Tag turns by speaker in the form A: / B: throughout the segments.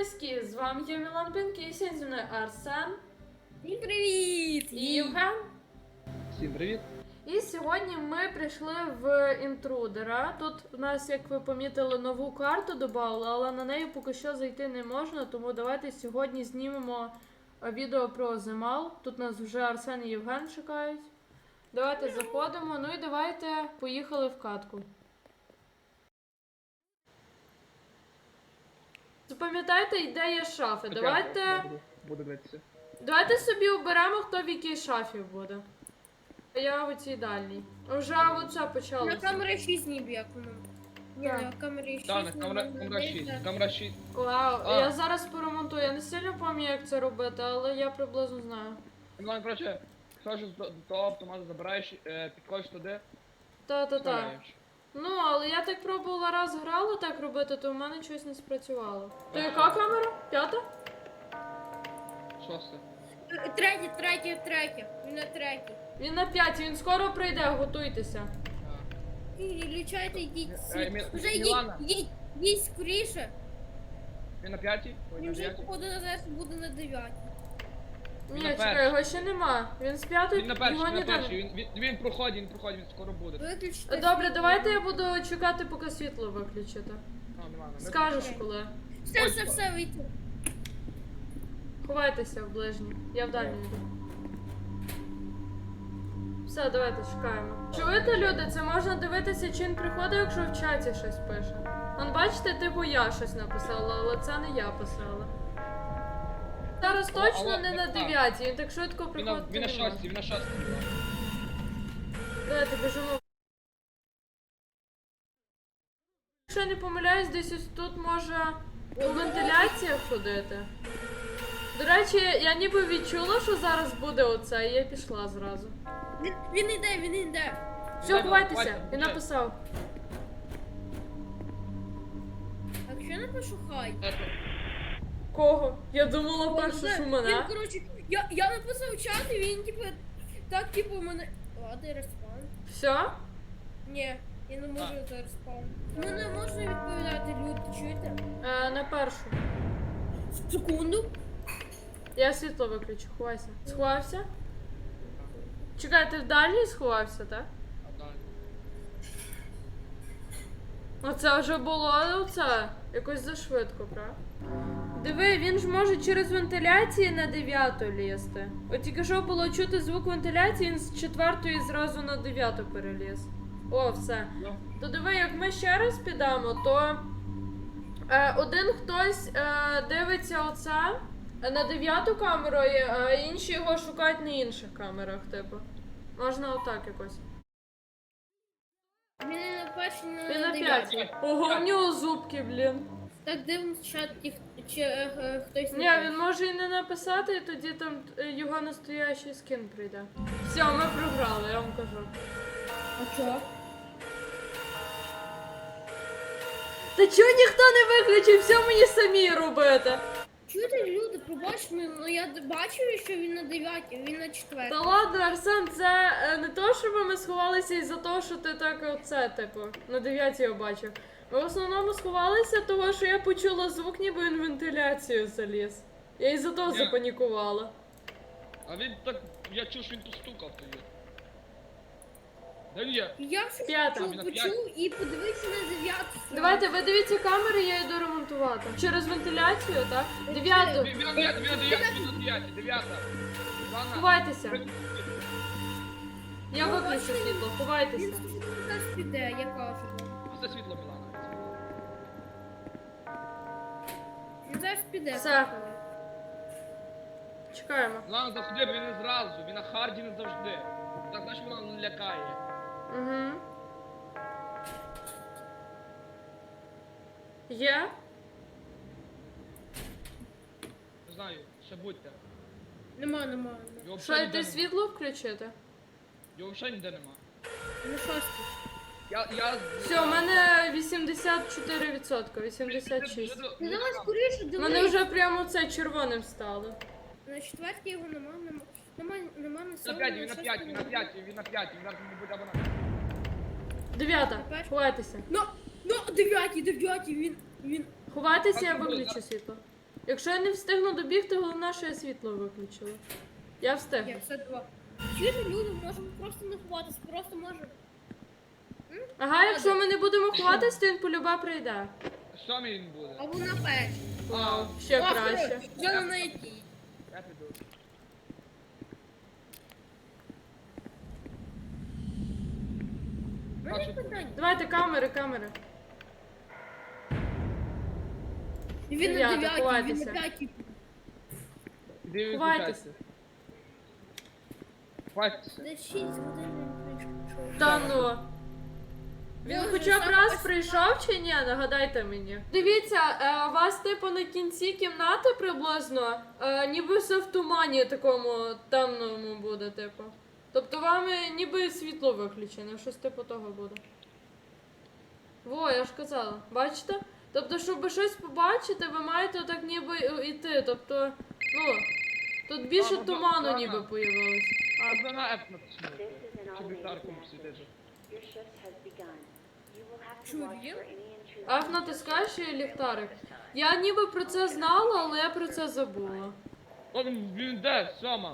A: зв'язки. З вами я Мілан Пінк і сьогодні зі мною Арсен
B: Всім привіт!
A: і Євген.
C: Всім привіт!
A: І сьогодні ми прийшли в інтрудера. Тут у нас, як ви помітили, нову карту додали, але на неї поки що зайти не можна, тому давайте сьогодні знімемо відео про Земал. Тут нас вже Арсен і Євген чекають. Давайте заходимо, ну і давайте поїхали в катку. Запам'ятайте, де є шафи.
C: Буду дивитися.
A: Давайте собі оберемо, хто в якій шафі буде. Я в цій дальній. Вже оце
B: На
A: почалося.
B: камері 6 ніби як воно. Ні,
A: Так.
B: на камері 6.
C: Так, камера 6. Камера 6.
A: Вау,
C: А.
A: я зараз поремонтую. Я не сильно пам'ятаю, як це робити, але я приблизно знаю.
C: Ну, коротше, схожу до того автомату, забираєш, підходиш туди,
A: Та-та-та.
C: стріляєш.
A: Ну, але я так пробувала раз грала так робити, то в мене щось не спрацювало. То яка камера? П'ята?
C: Шосте.
B: Третє. Він на третій.
A: Він на п'ятій, він скоро прийде, готуйтеся.
B: Лічайте, йдіть.
C: Мі-
B: Вже
C: Мілана.
B: йдіть скоріше.
C: Він на п'ятій? Ой,
B: Він
C: на
B: вже
C: дев'ятій.
B: походу на зараз буде на 9.
A: Ні,
C: на
A: чекай,
C: першій.
A: його ще нема. Він з п'ятої,
C: Він на першій,
A: його
C: він на
A: ніде
C: першій. Він проходить, він скоро буде.
B: Виключите.
A: Добре, давайте я буду чекати, поки світло виключите.
C: Нормально.
A: Скажеш
B: Окей.
A: коли.
B: Все, вийти.
A: Ховайтеся в ближній. Я в дальній йду. Все, давайте чекаємо. Чуєте, люди? Це можна дивитися, чи він приходить, якщо в чаті щось пише. Вон, бачите, типу я щось написала, але це не я писала. Зараз точно не на 9, він так швидко приходить.
C: Він на шостій, він на шостій.
A: Давайте біжимо. Якщо я не помиляюсь, десь ось тут може у вентиляціях ходити. До речі, я ніби відчула, що зараз буде оце, і я пішла зразу.
B: Він йде.
A: Все, ховайтеся, він написав.
B: А якщо я напишу хай?
A: Кого? Я думала перше, що
B: Він,
A: мене.
B: коротше, я написав чат, і він типу мене. Ладно, респаун.
A: Все?
B: Ні, я не можу зараз спам. Мене можна відповідати, люди, чуєте?
A: На першу.
B: Секунду.
A: Я світло виключу, ховайся. Сховався? Чекай, ти в дальній сховався, так? Оце вже було, оце. Якось зашвидко, правда? Диви, він ж може через вентиляції на 9 лізти. От тільки що було чути звук вентиляції, він з 4 зразу на 9 переліз. О, все. То диви, як ми ще раз підемо, то один хтось дивиться оце на 9 камеру, а інші його шукають на інших камерах, типу. Можна отак якось.
B: Він не на першій, не
A: Він на
B: 9.
A: 5. Ого, в нього зубки, блін.
B: Так дивно чат, чи хтось
A: Ні, він може і не написати, і тоді там його настоящий скін прийде. Все, ми програли, я вам кажу.
B: А чого?
A: Та чого ніхто не виключив, все мені самі робити?
B: Чуєте, люди, пробач мене, ну я бачу, що він на 9, він на 4.
A: Та ладно, Арсен, це не то, щоб ми сховалися із-за того, що ти так оце, типу, на 9 його бачив. Ми в основному сховалися того, що я почула звук, ніби він в вентиляцію заліз. Я із-за того
C: Ні.
A: запанікувала.
C: А він так, я чув, що він постукав тоді. Де він є?
B: Я щось
A: П'ята.
B: почув і подивився на 9.
A: Давайте, ви дивіться камери, я йду ремонтувати. Через вентиляцію, так? 9.
C: Він на 9.
A: Ховайтеся. Я виключу світло,
B: Він
A: ховайтеся.
B: зараз піде, я кажу.
C: Це світло Мілана.
B: Він зараз піде.
A: Все. Чекаємо.
C: Мілана завжди, він не зразу, він на харді не завжди. Так, знаєш, Мілана лякає.
A: Угу. Є?
C: Не знаю, ще будьте.
B: Нема.
C: Його
A: Що,
C: взагалі
A: йти
C: ніде нема.
A: світло включити?
C: Його взагалі ніде нема.
B: На 6.
C: Я...
A: Все, у мене 84%, 86.
B: Ну давай скоріше,
A: У мене
B: дивись.
A: вже прямо це червоним стало.
B: На 4 його нема на
C: Він
B: 7.
C: на 5, він на 5, він на 5, він на 5, він зараз не буде або на...
A: 9. Ховайтеся.
B: Ну, 9, він.
A: Ховайтеся, я виключу світло. Якщо я не встигну добігти, головне, що я світло виключила. Я встигну.
B: Є, все два. Чуєте, люди, можемо просто не ховатись, просто можемо.
A: Ага, якщо ми не будемо ховатись, то він полюба прийде.
C: Що він буде?
B: Або на печі.
A: Вау, ще краще.
B: Я на якій.
C: Я піду.
B: У мене є питання.
A: Давайте камери, камери.
B: Він на
A: Дев'ята,
B: 9, він
A: ховайтеся.
B: на 5.
C: Іди
A: Ховайтесь.
C: відключайся. Ховайтеся.
B: Десь 6 годин він прийшов.
A: Та ну. Він
B: Боже,
A: хоча б
B: сам
A: раз
B: ось-
A: прийшов чи ні? Нагадайте мені. Дивіться, у вас типу на кінці кімнати приблизно, ніби все в тумані такому темному буде, типу. Тобто вам ніби світло виключене, щось типу того буде. Во, я ж казала, бачите? Тобто, щоб щось побачити, ви маєте отак ніби йти. Тобто, ну, тут більше
C: Ага,
A: туману
C: ага.
A: ніби появилось.
C: А це на F натиснути. Щоб ліхтарком світити.
A: Аф натискаєш і ліхтарик. Я ніби про це знала, але я про це забула.
C: О, він де? Сьома.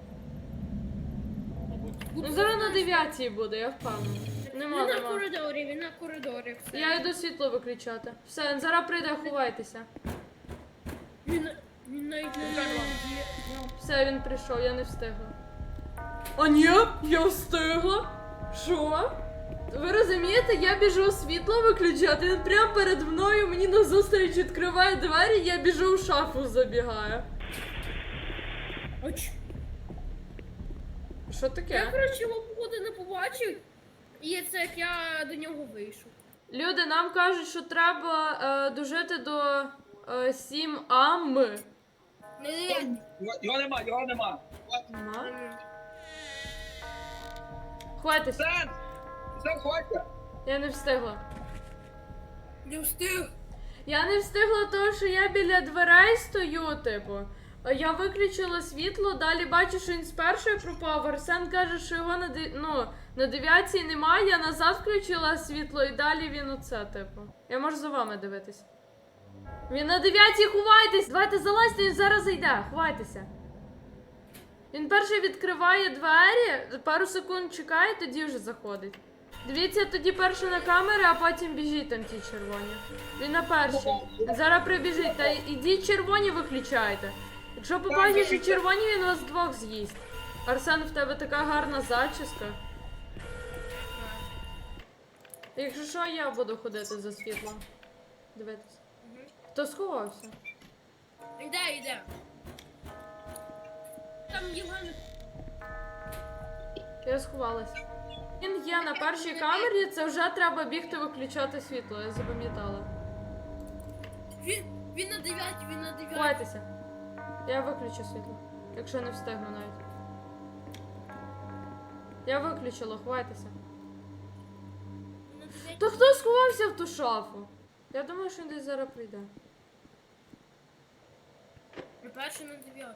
A: Ну зараз на 9 буде, я впевнена. Нема,
B: Він на
A: нема.
B: коридорі, він на коридорі. Все.
A: Я йду світло виключати. Все, він зараз прийде, ховайтеся.
B: Він навіть не
A: Все, він прийшов, я не встигла. А ні, я встигла? Що? Ви розумієте, я біжу світло виключати, він прямо перед мною мені назустріч відкриває двері, я біжу в шафу забігаю.
B: Оч.
A: Що
B: Я,
A: таке?
B: коротше, його походу не побачив. І це як я до нього вийшов.
A: Люди, нам кажуть, що треба дожити до 7 ам.
B: Не дев'ять.
D: Його нема, його нема.
A: Нема? Хватись,
D: Сен! Сен, хватить!
A: я не встигла.
B: Не встиг.
A: Я не встигла того, що я біля дверей стою, типу. Я виключила світло, далі бачу, що він з першої пропав. Арсен каже, що його на 9 немає, я назад включила світло і далі він оце, типу. Я можу за вами дивитись. Він на 9 ховайтесь! Давайте залазьте, він зараз зайде, ховайтеся. Він перший відкриває двері, пару секунд чекає, тоді вже заходить. Дивіться тоді перше на камери, а потім біжіть там ті червоні. Він на першій. Зараз прибіжить, та ідіть червоні виключайте. Якщо побачиш, що червоні, він вас двох з'їсть. Арсен, в тебе така гарна зачіска. Якщо що, я буду ходити за світлом. Дивитись. Хто сховався?
B: Йде. Там Євген.
A: Я сховалась. Він є на першій камері, це вже треба бігти виключати світло, я запам'ятала.
B: Він на 9, він на 9.
A: Ховайтеся. Я виключу світло, якщо не встигну навіть. Я виключила, ховайтеся. То хто сховався в ту шафу? Я думаю, що він десь зараз прийде.
B: Не перший на 9.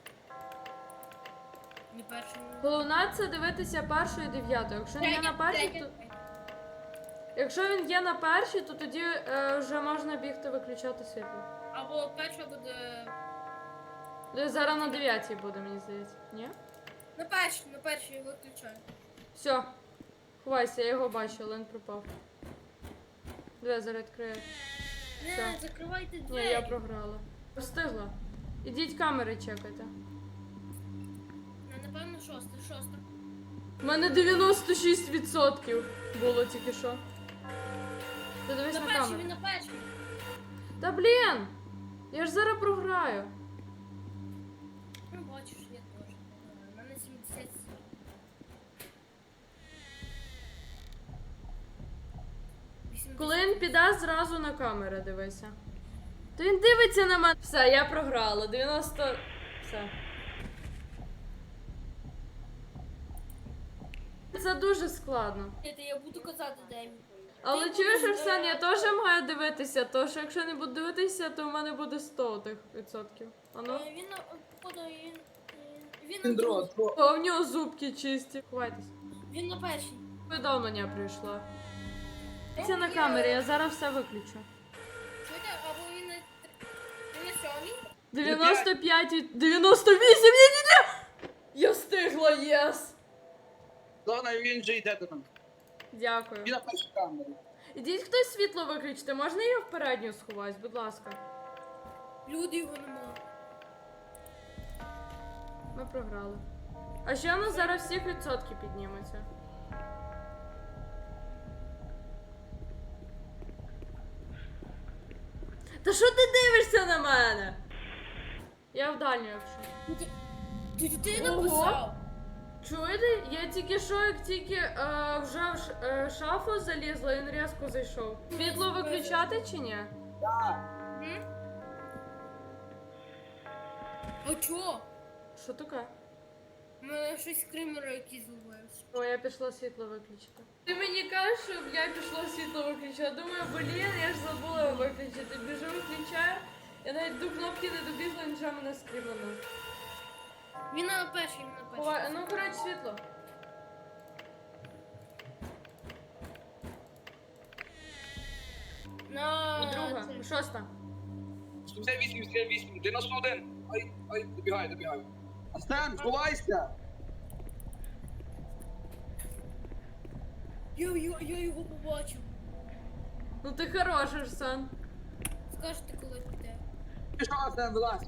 B: Не перший на 9.
A: Головне це дивитися першою і дев'ятою. Якщо він є на першій, то... Якщо він є на першій, то тоді вже можна бігти виключати світло.
B: Або перша буде.
A: Десь зараз на 9 буде, мені здається. Ні?
B: На першій виключаю.
A: Все. Ховайся, я його бачу, але він пропав. Диви, зараз відкрию. Все.
B: Не, закривайте
A: Ні,
B: двері.
A: я програла. Встигла. Ідіть камери чекайте.
B: Напевно, шоста.
A: У мене 96% було тільки що. Ти дивись
B: На
A: на
B: першій,
A: камеру.
B: він на першій.
A: Та блін! Я ж зараз програю.
B: Ну, бачиш, я теж. У мене 77.
A: Коли він піде, зразу на камери дивися. То він дивиться на мене. Все, я програла. 90. Все. Це дуже складно.
B: Я буду казати, де він.
A: Але чуєш, Арсен, я теж маю дивитися, то що якщо не буду дивитися, то в мене буде 100 тих відсотків. Ану.
B: Він на походу, він
D: Він
B: на
D: дрот.
A: О, в нього зубки чисті. Ховайтесь.
B: Він на першій.
A: Повідомлення прийшло. Це на камері, я зараз все виключу.
B: Чуєте, або він на 7. далі?
A: 95 і 98, ні-ні-ні! Я встигла, єс!
D: Головне, він же йде до нас.
A: Дякую.
D: Він на першій камері.
A: Ідіть хтось світло виключити, можна я в передню сховаюсь, будь ласка.
B: Люди його нема.
A: Ми програли. А ще у нас зараз всіх відсотки піднімуться. Та що ти дивишся на мене? Я в дальню, якщо.
B: Ти
A: Ого.
B: написав.
A: Чуєте? Я тільки що, як тільки вже в шафу залізла, він різко зайшов. Світло виключати чи ні?
B: М? А чо?
A: Що таке?
B: У мене щось скримера якийсь зловився.
A: О, я пішла світло виключити. Ти мені кажеш, щоб я пішла світло виключити. Думаю, блін, я ж забула його виключити. Біжу, виключаю. Я навіть до кнопки не добігла, він вже мене скріманув.
B: Він на перший, він на перший.
A: Ну, коротше, світло.
B: На
A: Друга,
B: цей.
A: шоста.
D: 78, 91. Ай, добігай. Астен, ховайся.
B: Я його побачив.
A: Ну ти хороший, Арсен.
B: Скажете, коли піде.
D: Пішов, Астен, вилазь.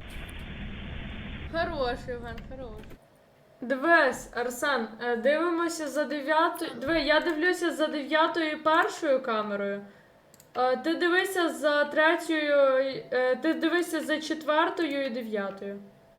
A: Хорош, Євген, хорош. Дивись, Арсен, дивимося за 9. Диви, я дивлюся за 9-ю і першою камерою. Ти дивися за 3-ю, ти дивися за 4-ю і 9-ю.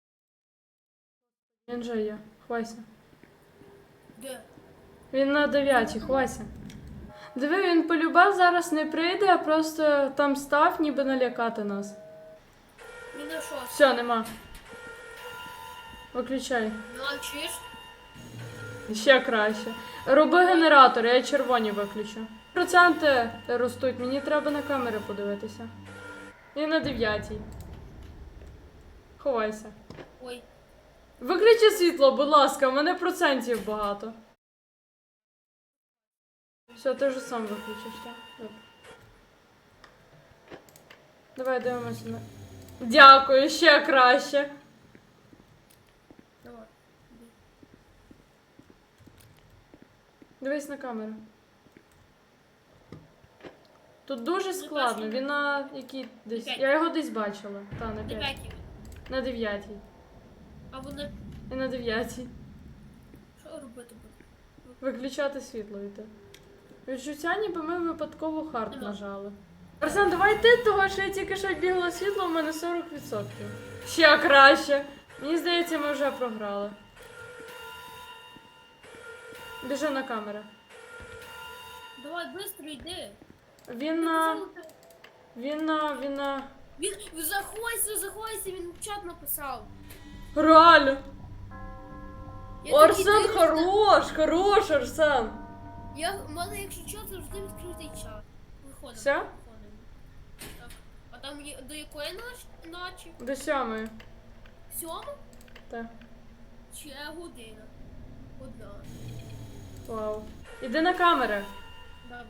A: Він же є, ховайся.
B: Де?
A: Він на 9-й, ховайся. Диви, він полюбав зараз не прийде, а просто там став, ніби налякати нас.
B: Він на шостий.
A: Все, нема. Виключай.
B: Ну, а чуєш?
A: Ще краще. Роби генератор, я червоні виключу. Проценти ростуть, мені треба на камери подивитися. І на 9-й. Ховайся.
B: Ой.
A: Виключи світло, будь ласка, у мене процентів багато. Все, ти вже сам виключиш, так? Добре. Давай дивимося на. Дякую, ще краще.
B: Давай.
A: Дивись на камеру. Тут дуже складно, він на якій десь. Я його десь бачила. Та, на 5.
B: Дев'ятий.
A: На 9.
B: А вони...
A: І на 9.
B: Що робити буде?
A: Виключати світло йти. Відчуття, ніби ми випадково хард
B: Нема.
A: нажали. Арсен, давай ти, того що я тільки що бігла світло, у мене 40%. Ще краще. Мені здається, ми вже програли. Біжи на камеру.
B: Давай, швидко йди.
A: Він на... Він на...
B: Він заховайся, він в чат написав.
A: Реально!
B: Я
A: Арсен,
B: такий дивлюсь,
A: хорош, Арсен!
B: У мене, якщо чат, завжди відкритий чат. Виходимо.
A: Все?
B: Виходимо. Так. А там є до якої ночі?
A: До 7.
B: 7?
A: Так.
B: Чи година? Одна.
A: Вау. Іди на камери.
B: Да.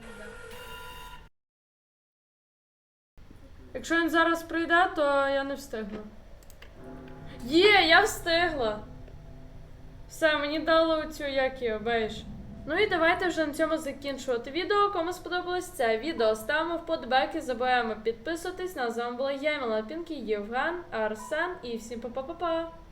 A: Якщо він зараз прийде, то я не встигну. Є, я встигла. Все, мені дали оцю, як його, бейдж. Ну і давайте вже на цьому закінчувати відео. Кому сподобалось це відео, ставимо вподобайки, забуваємо підписуватись. На з вами була я, Мала Пінкі, Євген, Арсен і всім па-па-па-па.